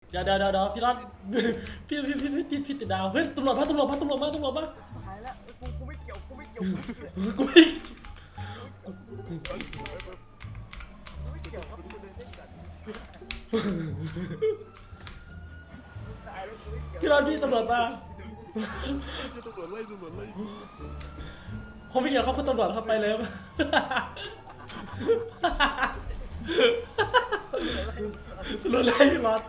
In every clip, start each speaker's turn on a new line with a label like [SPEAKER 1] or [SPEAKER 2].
[SPEAKER 1] เดี๋ยวพี่รอดพี่ติดดาวเฮ้ยตำรวจมา
[SPEAKER 2] หายแล้วกูไม่เกี่ยว
[SPEAKER 1] กูไม่
[SPEAKER 2] กูไม่เกี่ยวครับกูเดินเล่นกันตายแล้วกูไม่เกี่ยว
[SPEAKER 1] พี่รอดพี่ตำรวจมา
[SPEAKER 3] ตำรวจไล่
[SPEAKER 1] ผมไม่เกี่ยวเขาคุณตำรวจเข้าไปเลยรถไล่พี่รอด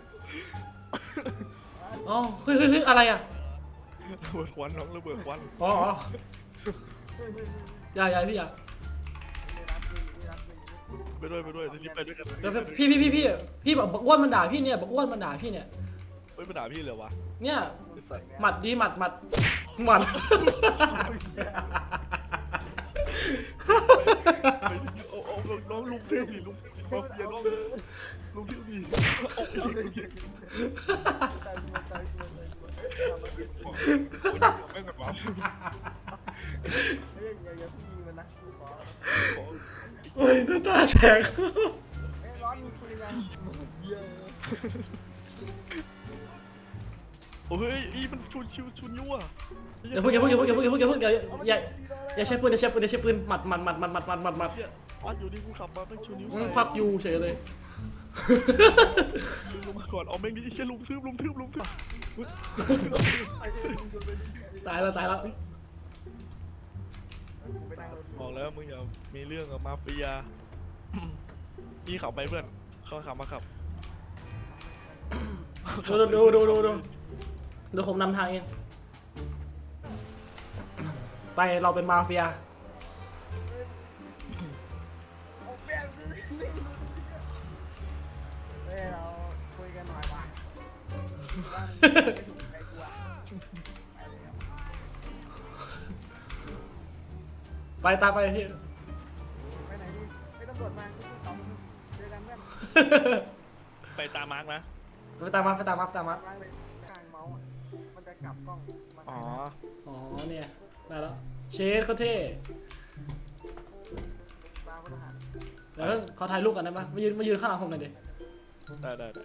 [SPEAKER 1] อ๋อเฮ้ยอะไรอ่ะ
[SPEAKER 3] ระเบิดควันน้องระเบิดควัน
[SPEAKER 1] อ๋ออย่าพี่อย่า
[SPEAKER 3] ไปด้วยที่ไปด้วยกัน
[SPEAKER 1] เดี๋ยวพี่บอกอ้วนมันด่าพี่เนี่ยบอกอ้วนมันด่าพี่เนี่ย
[SPEAKER 3] เฮ้ยมาด่าพี่เลยวะ
[SPEAKER 1] เนี่ย
[SPEAKER 3] ไอ้สัตว์
[SPEAKER 1] หมัดดีหมัด
[SPEAKER 3] เอาน้องลุงเที่ยวดิลุงมาเฟียน้องลุงเที่ยวดิแม่งแบบว่า
[SPEAKER 2] อย่าพี่ยิงมันนะกูขอ
[SPEAKER 1] โอ้ยน้ำตาแตก
[SPEAKER 2] ร้อนมึงคุยกันเยอะ
[SPEAKER 3] โอ้ยอีมันชุนยั่ว
[SPEAKER 1] อย่าพูดอย่าใช้ปืนหมัด
[SPEAKER 3] วัดอยู่นี่กูขับมาแม่งชุนยั่ว
[SPEAKER 1] ฟักยูเฉยเลย
[SPEAKER 3] ลุงมาก่อนเอาแม่งนี่แค่ลุงทึบ
[SPEAKER 1] ตายแล้ว
[SPEAKER 3] บอกแล้วมึงอย่ามีเรื่องกับมาเฟียพี่ขับไปเพื่อนเขาขับมาขับ
[SPEAKER 1] ดูผมนำทางเองไปเราเป็นมาเฟีย
[SPEAKER 2] เราคุยกันหน่อยว่ะ
[SPEAKER 1] ไปตามไปพี่
[SPEAKER 2] ไปไหนดีไปตำรวจมาสองเจอกันเพื่อน
[SPEAKER 3] ไปตามมาร์กนะ
[SPEAKER 1] ไปตามมา
[SPEAKER 2] ล้างเลยกลางเมาส์มันจะกลับกล้อง
[SPEAKER 3] อ๋อ
[SPEAKER 1] อ๋อเนี่ยได้แล้วเชดเขาเท่
[SPEAKER 2] ตาพลทหาร
[SPEAKER 1] เดี๋ยวขอถ่ายรูปกันได้ปะมายืนข้างหลังผมหน่อยดิ
[SPEAKER 3] ได้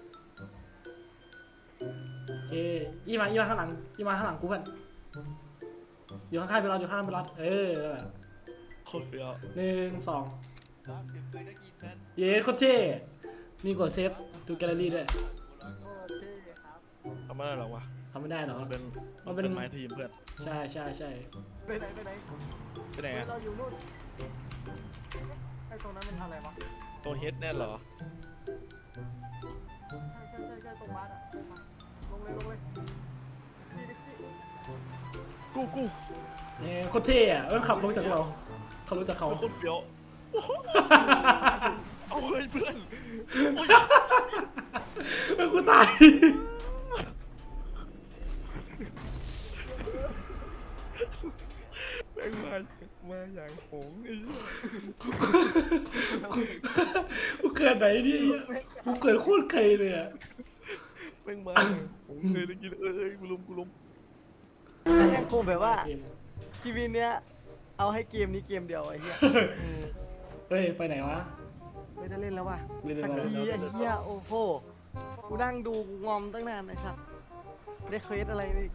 [SPEAKER 1] โอเคยี่มาข้างหลังกูเพื่อนอยู่ข้างๆไปรอเออ
[SPEAKER 3] โคตรเฟี้ยว
[SPEAKER 1] 1 2เย้โคตรเท่นี่กดเซฟดูแกลเลอรี่ด้วย
[SPEAKER 2] โอเคครับ
[SPEAKER 3] ทำไม่ได้หรอวะ
[SPEAKER 1] ทำไม่ได้หรอ
[SPEAKER 3] มันเป็น
[SPEAKER 1] มันเป็น
[SPEAKER 3] ไม้ทีมเพื่อน
[SPEAKER 1] ใช่
[SPEAKER 2] ไปไหน
[SPEAKER 3] ไปไหน
[SPEAKER 2] เราอยู่นู่นไอ้ตรงนั้นมันทำอะไรวะ
[SPEAKER 3] ตัวเฮดแน่เหรอ
[SPEAKER 2] ใช่ตรงบ้านอ่ะลงเลย
[SPEAKER 3] กู
[SPEAKER 1] เนี่ยโคตรเท่อะขับรถจากเราเขารู้จักเขา
[SPEAKER 3] โคตรเฟี้ยวเอาเฮ้ยเพื่อน
[SPEAKER 1] กูตาย
[SPEAKER 3] แม่งมาอย่างหงไอ้เหี้ย
[SPEAKER 1] กูเกิดไหนเนี่ยกูเกิดโคตรไกลเลยอะ
[SPEAKER 3] แม่งมาผมเคยได้กินกูล้ม
[SPEAKER 2] แม่งคงแบบว่าชีวิตเนี้ยเอาให้เกมนี้เกมเดียวไอ้เหี้ย
[SPEAKER 1] เฮ้ยไปไหนวะ
[SPEAKER 2] ไม่ได้เล่นแล้วว่ะ
[SPEAKER 1] เล่น
[SPEAKER 2] สัก
[SPEAKER 1] แล้ว
[SPEAKER 2] ทีไอ้เหี้ยโอ้โหกูนั่งดูกูงอมตั้งนานไอ้สัตว์ได้เควสอะไรนี่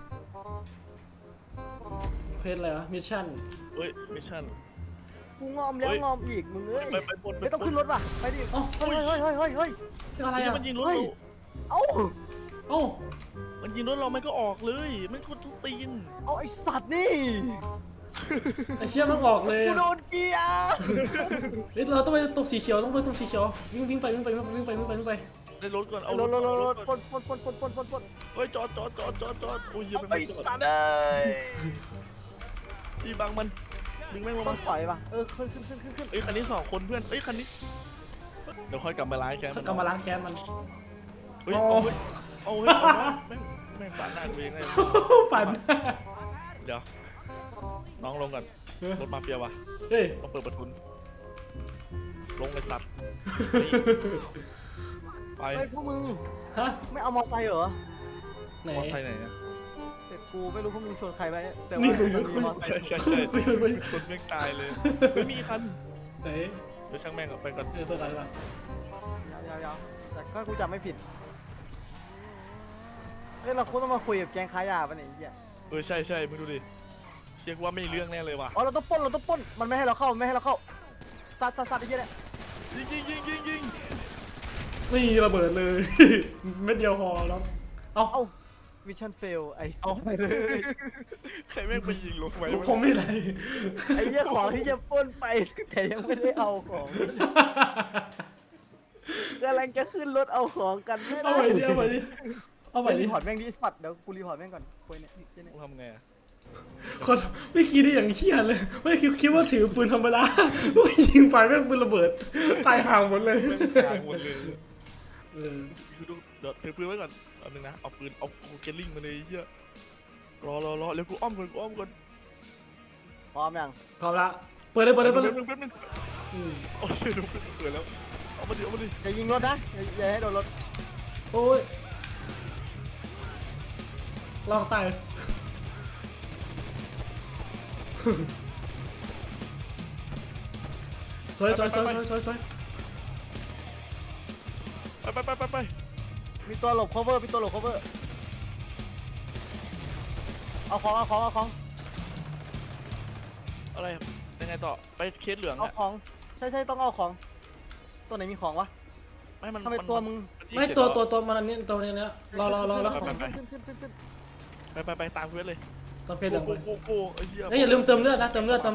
[SPEAKER 1] เพจอะไรวะมิชชั่น
[SPEAKER 3] เฮ้ยมิชชั่น
[SPEAKER 2] กูงอมแล้วงอมอีกมึงเอ้ย
[SPEAKER 3] ไปบน
[SPEAKER 2] ไม่ต้องขึ้นรถว่ะไปดิ
[SPEAKER 1] เอ้า
[SPEAKER 2] เฮ้ย
[SPEAKER 1] อะไรอะ
[SPEAKER 3] มันยิงรถ
[SPEAKER 2] เอ้า
[SPEAKER 1] เอ้า
[SPEAKER 3] มันยิงรถเราไม่ก็ออกเลยไม่ก็ทุกตีน
[SPEAKER 2] เอาไอ้สัตว์นี่
[SPEAKER 1] ไอเชี่ยมันออกเลย
[SPEAKER 2] กูโดนเกียร์
[SPEAKER 1] เฮ้ยเราต้องไปตรงสีเขียววิ่งไป
[SPEAKER 3] ได้รถก่อนเอา
[SPEAKER 2] รถ
[SPEAKER 3] รถ
[SPEAKER 2] ปน
[SPEAKER 3] เฮ้ยจอดโอ้ยเหี้ย
[SPEAKER 2] ไอ้
[SPEAKER 3] ไม่จอด
[SPEAKER 2] สัตว์เอ้ย
[SPEAKER 3] ที่บังมันดึงแม่งลง
[SPEAKER 2] ต้อ
[SPEAKER 3] มาง
[SPEAKER 2] ปล่อยป่ะขึ้น
[SPEAKER 3] เอ้ยคันนี้2 คนเพื่อนเอ้ยคันนี้เดี๋ยวค่อยกลับมาล้างแค้น
[SPEAKER 1] กำมาล้างแค้นมัน
[SPEAKER 3] เฮ้ยเอาแม่งปาดหน้าตัวเองเลย
[SPEAKER 1] ปั่น
[SPEAKER 3] เดี๋ยวน้องลงก่อนรถมาเฟียวะ
[SPEAKER 1] เฮ้ย
[SPEAKER 3] ต้องเปิดประทุนลงเลยสัตว์ไป
[SPEAKER 2] ไอ้พวกมึง
[SPEAKER 1] ฮะ
[SPEAKER 2] ไม่เอามอไซค์เหรอ
[SPEAKER 1] ไหน
[SPEAKER 3] มอไซค์ไหนเนี่ย
[SPEAKER 2] เด็กกูไม่รู้พวกมึงชนใครไปแต่
[SPEAKER 1] นี่
[SPEAKER 2] ว่ามันมีมอไซค์
[SPEAKER 3] ใช่คนแม่งตายเลยไม่มีคัน
[SPEAKER 1] ไหน
[SPEAKER 3] เดี๋ยวช่างแม่งไปก่อน
[SPEAKER 1] เปิดอะไรมา
[SPEAKER 2] ยาวแต่ก็กูจำไม่ผิดเฮ้ยเราควรต้องมาคุยกับแก๊งค้ายาปะเนี่ยไอ้เหี้ย
[SPEAKER 3] ใช่ใช่มึงดูดิเรียกว่าไม่มีเรื่องแน่เลยว่ะ
[SPEAKER 2] อ๋อเราต้องปล้นมันไม่ให้เราเข้าไม่ให้เราเข้าซัดไอ้เหี้ยเนี่ย
[SPEAKER 3] ยิง
[SPEAKER 1] นี่ระเบิดเลย เม็ดเดียวพอแล้วเอา
[SPEAKER 2] เอ้ามิชชั่นเฟลไอ้
[SPEAKER 3] เอา
[SPEAKER 2] ไปเลย
[SPEAKER 3] ใครแม่งไปยิงลงไป
[SPEAKER 1] ผมไม่ไร
[SPEAKER 2] ไอ้เหี้ยของที่จะปล้นไปแต่ยังไม่ได้เอาของกำลังจะขึ้นรถเอาของกันไม่
[SPEAKER 1] เอา
[SPEAKER 2] ได้
[SPEAKER 1] ใหม่ดิเอาใหม่ดิเอาใหม่ดิ
[SPEAKER 2] รีพอร์ตแม่งดิสัตว์เดี๋ยวกูรีพอร์ตแม่งก่อนคุยเนี่ยเนี่ย
[SPEAKER 3] กูทำไงอะ
[SPEAKER 1] คนไม่คิดได้อย่างเชี่ยเลยไม่คิดว่าถือปืนธรรมดาไม่ยิงไปแม่งปืนระเบิดตายห่างหมดเลย
[SPEAKER 3] กลางหมดเลย
[SPEAKER 1] เออ
[SPEAKER 3] คือดูเดี๋ยวถือปืนไว้ก่อนเอาหนึ่งนะเอาปืนเอาเกลลิงมาเลยไอ้เหี้ยรอเร็วกูอ้อมก่อน
[SPEAKER 2] พร้อมยัง
[SPEAKER 1] พร้อมละเปิดเลย
[SPEAKER 3] แป๊บนึง
[SPEAKER 1] อืม
[SPEAKER 3] โอ้ยดูเปิดแล้วเอามาดิ
[SPEAKER 2] อย่ายิงรถนะอย่าให้โดนรถ
[SPEAKER 1] โอ้ยลองตายสวย
[SPEAKER 3] ไป
[SPEAKER 2] มีตัวหลบ cover มีตัวหลบ cover เอาของ
[SPEAKER 3] อะไรยังไงต่อไปเคสเหลือง
[SPEAKER 2] เอา
[SPEAKER 3] อะ
[SPEAKER 2] ของใช่ต้องเอาของตัวไหนมีของวะ
[SPEAKER 3] ไม่มัน
[SPEAKER 2] ทำไมตัวมึง
[SPEAKER 1] ไม่ตัวมันอันนี้ตัวนี้นะรอแล้วของ
[SPEAKER 3] ไปตามเควสเลย
[SPEAKER 1] ต้องเพชรเหลืองไป
[SPEAKER 3] โอ้ไอ้เหี้ย
[SPEAKER 1] เฮ้ยอย่าลืมเติมเลือดนะเติมเลือด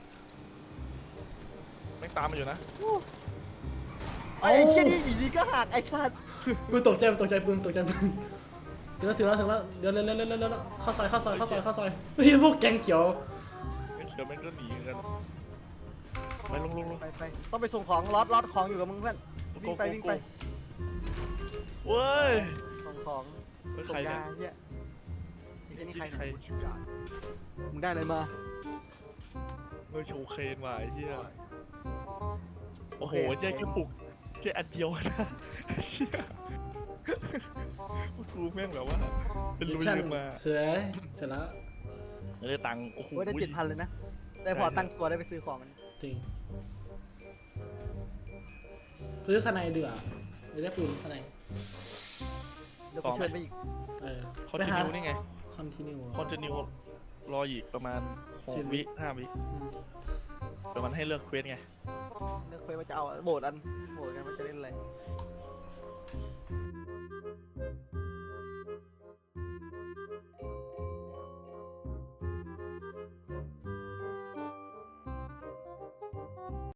[SPEAKER 3] แม่งตามมาอยู่นะ
[SPEAKER 2] ไอ้เชี่ยนี่อยู่ดีก็หักไอ้สัตว์
[SPEAKER 1] ปืนตกใจปืนถึงแล้วเดี๋ยวเข้าซอยเฮ้ยพวกแกงเขียว
[SPEAKER 3] เดี๋ยวแม่งก็หนีกันไปลง
[SPEAKER 2] ไปต้องไปส่งของล็อตของอยู่กับมึงเพื่อนวิ่งไป
[SPEAKER 3] เว้ย
[SPEAKER 2] ส่งของ
[SPEAKER 3] เป็น
[SPEAKER 2] ส่
[SPEAKER 3] ใครง
[SPEAKER 2] ยา
[SPEAKER 3] เนี่ย
[SPEAKER 2] เหี้ยนี่ใคร
[SPEAKER 3] ใคร
[SPEAKER 2] มึงได้อะไรมา
[SPEAKER 3] โชว์เคนว่ะไอ้เหี้ยโอ้โหแค่ปลุกแค่อันเดียวนะกูแม่งแบบว่าเป็นลุยมา
[SPEAKER 1] เสร็จแล้ว
[SPEAKER 3] ได้ตังค์โอ้โห
[SPEAKER 2] โอ้ยได้7,000เลยนะได้พอตั้งตัวได้ไปซื้อของมัน
[SPEAKER 1] จริงซื้อสไนเดือได้ปืนสไน
[SPEAKER 2] เดี๋ยวกูเชิญไปอีก
[SPEAKER 3] คอนติเนียนี่ไง
[SPEAKER 1] คอนติเนีย
[SPEAKER 3] คอนติเนียรออีกประมาณ6 วิ5 วิประมาณให้เลือกเควสไง
[SPEAKER 2] เลือกเคยว่าจะเอาโหวตกันว่าจะเล่นอะไร